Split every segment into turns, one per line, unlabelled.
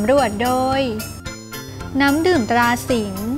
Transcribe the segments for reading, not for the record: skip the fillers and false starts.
ำรวจโดยน้ำดื่มตราสิงห์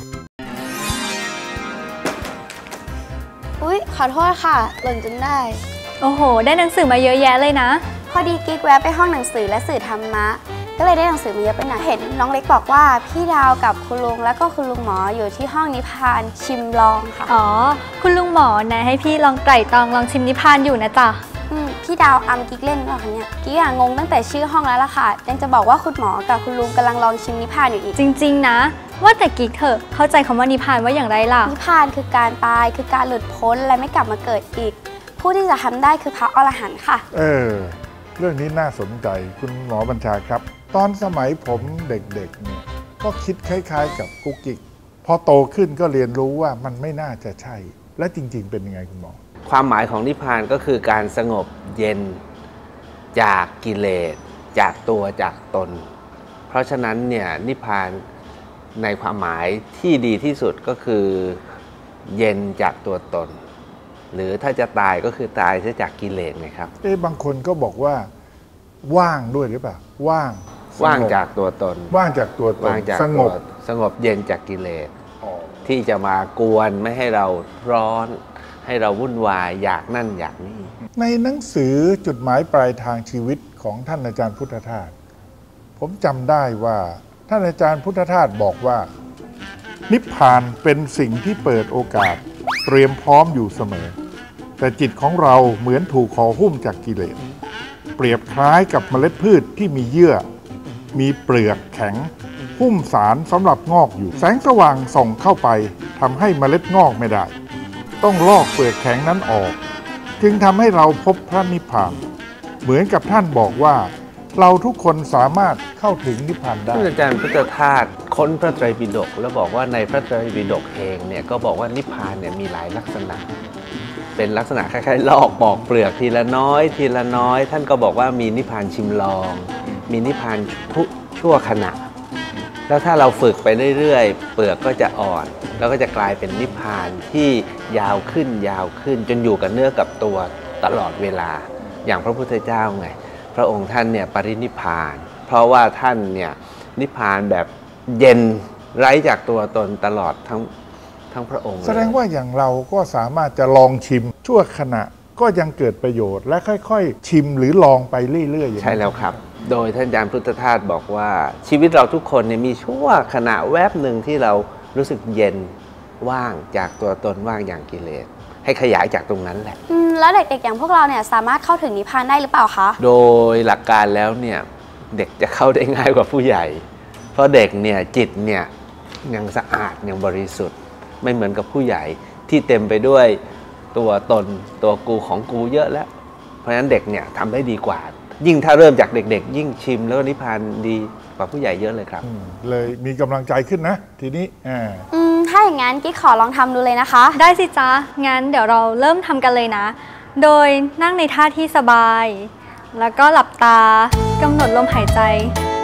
อุ๊ยขอโทษค่ะหล่นจนได้
โอ้โหได้หนังสือมาเยอะแยะเลยนะ
พอดีกิ๊กแวะไปห้องหนังสือและสื่อธรรมะก็เลยได้หนังสือมาเยอะไปหน่อยเห็นน้องเล็กบอกว่าพี่ดาวกับคุณลุงแล้วก็คุณลุงหมออยู่ที่ห้องนิพพานชิมลองค่ะ
อ๋อคุณลุงหมอนะให้พี่ลองไตร่ตรองลองชิมนิพพานอยู่นะจ๊ะ
พี่ดาวอำกิ๊กเล่นหรอคะเนี่ยกิ๊กงงตั้งแต่ชื่อห้องแล้วล่ะค่ะยังจะบอกว่าคุณหมอกับคุณลุงกำลังลองชิมนิพพานอยู่อีก
จริงๆนะว่าแต่กิ๊กเถอะเข้าใจคำว่านิพพานว่าอย่างไรล่ะ
นิพพานคือการตายคือการหลุดพ้นและไม่กลับมาเกิดอีกผู้ที่จะทำได้คือพระอรหันต์ค่ะ
เรื่องนี้น่าสนใจคุณหมอบัญชาครับตอนสมัยผมเด็กๆเนี่ยก็คิดคล้ายๆกับกุ๊กกิ๊กพอโตขึ้นก็เรียนรู้ว่ามันไม่น่าจะใช่และจริงๆเป็นยังไงคุณหมอ
ความหมายของนิพพานก็คือการสงบเย็นจากกิเลสจากตัวจากตนเพราะฉะนั้นเนี่ยนิพพานในความหมายที่ดีที่สุดก็คือเย็นจากตัวตนหรือถ้าจะตายก็คือตายจากกิเลสไงครับ
บางคนก็บอกว่าว่างด้วยหรือเปล่าว่าง
จากตัวตน
ว่างจากตัวตน
สงบเย็นจากกิเลสที่จะมากวนไม่ให้เราร้อนให้เราวุ่นวายอยากนั่นอยากนี่
ในหนังสือจุดหมายปลายทางชีวิตของท่านอาจารย์พุทธทาสผมจำได้ว่าท่านอาจารย์พุทธทาสบอกว่านิพพานเป็นสิ่งที่เปิดโอกาสเตรียมพร้อมอยู่เสมอแต่จิตของเราเหมือนถูกห่อหุ้มจากกิเลสเปรียบคล้ายกับเมล็ดพืชที่มีเยื่อมีเปลือกแข็งหุ้มสารสำหรับงอกอยู่แสงสว่างส่องเข้าไปทำให้เมล็ดงอกไม่ได้ต้องลอกเปลือกแข็งนั้นออกจึงทำให้เราพบพระนิพพานเหมือนกับท่านบอกว่าเราทุกคนสามารถเข้าถึงนิพพานได้
ท่านอาจารย์พุทธทาสค้นพระไตรปิฎกแล้วบอกว่าในพระไตรปิฎกเองเนี่ยก็บอกว่านิพพานเนี่ยมีหลายลักษณะเป็นลักษณะคล้ายๆลอกปอกเปลือกทีละน้อยทีละน้อยท่านก็บอกว่ามีนิพพานชิมลองมีนิพพานชั่วขณะแล้วถ้าเราฝึกไปเรื่อยๆเปลือกก็จะอ่อนแล้วก็จะกลายเป็นนิพพานที่ยาวขึ้นจนอยู่กับเนื้อกับตัวตลอดเวลาอย่างพระพุทธเจ้าไงพระองค์ท่านเนี่ยปรินิพพานเพราะว่าท่านเนี่ยนิพพานแบบเย็นไร้จากตัวตนตลอดทั้งพระองค์
แสดงว่าอย่างเราก็สามารถจะลองชิมชั่วขณะก็ยังเกิดประโยชน์และค่อยๆชิมหรือลองไปเรื่อยๆ
ใช่แล้วครับโดยท่านอาจารย์พุทธทาสบอกว่าชีวิตเราทุกคนเนี่ยมีชั่วขณะแวบหนึ่งที่เรารู้สึกเย็นว่างจากตัวตนว่างอย่างกิเลสให้ขยายจากตรงนั้นแหละ
แล้วเด็กๆอย่างพวกเราเนี่ยสามารถเข้าถึงนิพพานได้หรือเปล่าคะ
โดยหลักการแล้วเนี่ยเด็กจะเข้าได้ง่ายกว่าผู้ใหญ่เพราะเด็กเนี่ยจิตเนี่ยยังสะอาดยังบริสุทธิ์ไม่เหมือนกับผู้ใหญ่ที่เต็มไปด้วยตัวตนตัวกูของกูเยอะแล้วเพราะฉะนั้นเด็กเนี่ยทำได้ดีกว่ายิ่งถ้าเริ่มจากเด็กๆยิ่งชิมแล้วนิพพานดีกว่าผู้ใหญ่เยอะเลยครับ
เลยมีกำลังใจขึ้นนะทีนี้
ถ้าอย่างนั้นกิ๊กขอลองทำดูเลยนะคะ
ได้สิจ๊ะงั้นเดี๋ยวเราเริ่มทำกันเลยนะโดยนั่งในท่าที่สบายแล้วก็หลับตากำหนดลมหายใจ